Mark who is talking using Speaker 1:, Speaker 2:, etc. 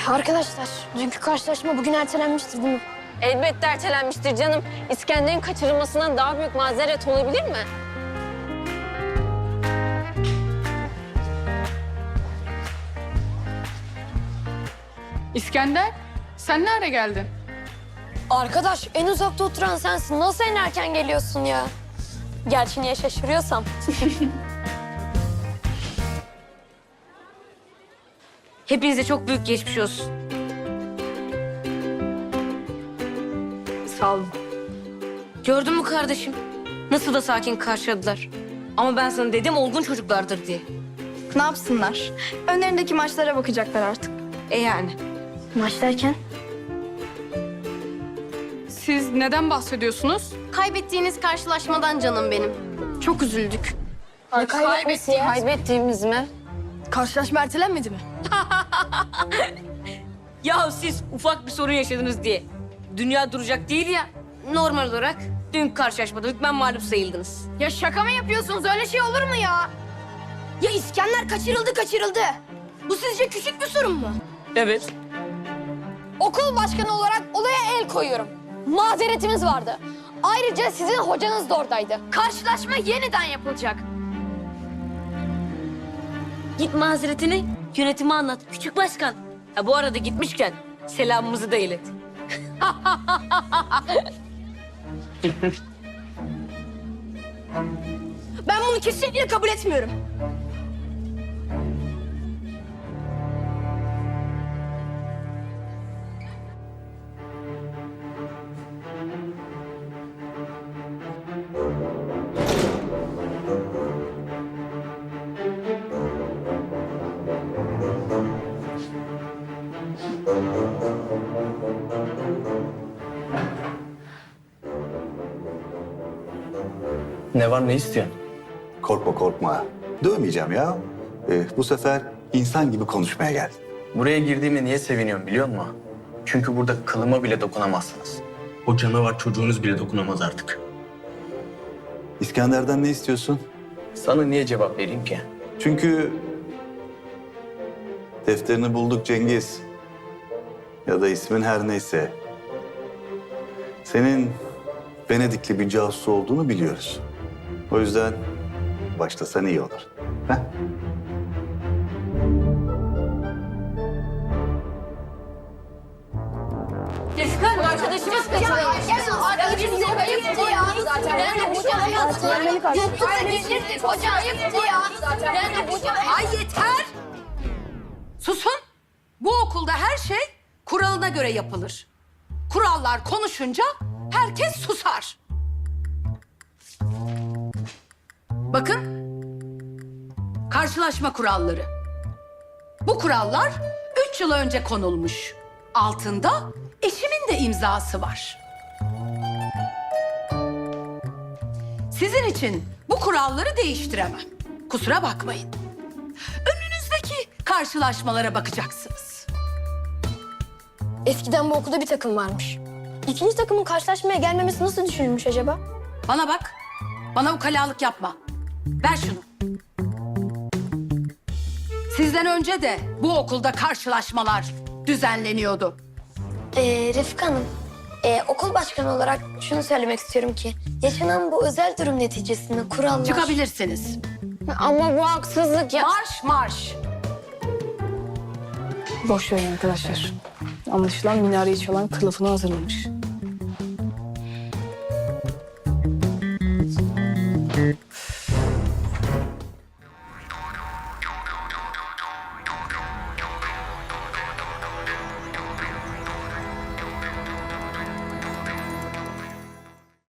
Speaker 1: Arkadaşlar, dünkü karşılaşma bugün ertelenmiştir değil mi?
Speaker 2: Elbette ertelenmiştir canım. İskender'in kaçırılmasından daha büyük mazeret olabilir mi?
Speaker 3: İskender, sen nerede geldin?
Speaker 1: Arkadaş, en uzakta oturan sensin. Nasıl en erken geliyorsun ya? Gerçi niye şaşırıyorsam.
Speaker 4: Hepinize çok büyük geçmiş olsun.
Speaker 3: Sağ olun.
Speaker 4: Gördün mü kardeşim? Nasıl da sakin karşıladılar. Ama ben sana dedim olgun çocuklardır diye.
Speaker 5: Ne yapsınlar? Önlerindeki maçlara bakacaklar artık.
Speaker 4: Yani.
Speaker 1: Maç derken?
Speaker 3: Siz neden bahsediyorsunuz?
Speaker 1: Kaybettiğiniz karşılaşmadan canım benim. Çok üzüldük.
Speaker 2: Kaybettiğimiz mi?
Speaker 5: Karşılaşma ertelenmedi mi?
Speaker 4: Ya siz ufak bir sorun yaşadınız diye. Dünya duracak değil ya. Normal olarak dün karşılaşmada hükmen mağlup sayıldınız.
Speaker 5: Ya şaka mı yapıyorsunuz? Öyle şey olur mu ya? Ya İskender kaçırıldı. Bu sizce küçük bir sorun mu?
Speaker 4: Evet.
Speaker 1: Okul başkanı olarak olaya el koyuyorum. Mazeretimiz vardı. Ayrıca sizin hocanız da oradaydı. Karşılaşma yeniden yapılacak.
Speaker 4: Git mazeretini yönetime anlat. Küçük başkan. Ha, bu arada gitmişken selamımızı da ilet.
Speaker 5: Ben bunu kesinlikle kabul etmiyorum.
Speaker 6: Ne var, ne istiyorsun?
Speaker 7: Korkma korkma. Dövmeyeceğim ya. Bu sefer insan gibi konuşmaya geldim.
Speaker 6: Buraya girdiğime niye seviniyorum biliyor musun? Çünkü burada kılıma bile dokunamazsınız. O canavar çocuğunuz bile dokunamaz artık.
Speaker 7: İskender'den ne istiyorsun?
Speaker 6: Sana niye cevap vereyim ki?
Speaker 7: Çünkü defterini bulduk Cengiz. Ya da ismin her neyse. Senin Venedikli bir casus olduğunu biliyoruz. O yüzden başlasan iyi olur. Heh?
Speaker 1: Arkadaşımız kaçırılmış. Arkadaşımız ayıptı ya. Ben de hocam yoktu da geçirdik hocam ayıptı ya. Ben de hocam.
Speaker 8: Ay yeter! Susun. Bu okulda her şey kuralına göre yapılır. Kurallar konuşunca herkes susar. Bakın. Karşılaşma kuralları. Bu kurallar 3 yıl önce konulmuş. Altında eşimin de imzası var. Sizin için bu kuralları değiştiremem. Kusura bakmayın. Önünüzdeki karşılaşmalara bakacaksınız.
Speaker 1: Eskiden bu okulda bir takım varmış. İkinci takımın karşılaşmaya gelmemesi nasıl düşünülmüş acaba?
Speaker 8: Bana bak. Bana ukalalık yapma. Ver şunu. Sizden önce de bu okulda karşılaşmalar düzenleniyordu.
Speaker 1: Refika Hanım, okul başkanı olarak şunu söylemek istiyorum ki... ...yaşanan bu özel durum neticesinde kurallar...
Speaker 8: Çıkabilirsiniz.
Speaker 2: Ama bu haksızlık ya.
Speaker 8: Marş marş.
Speaker 3: Boş verin arkadaşlar. Anlaşılan minareyi çalan kılıfını hazırlamış.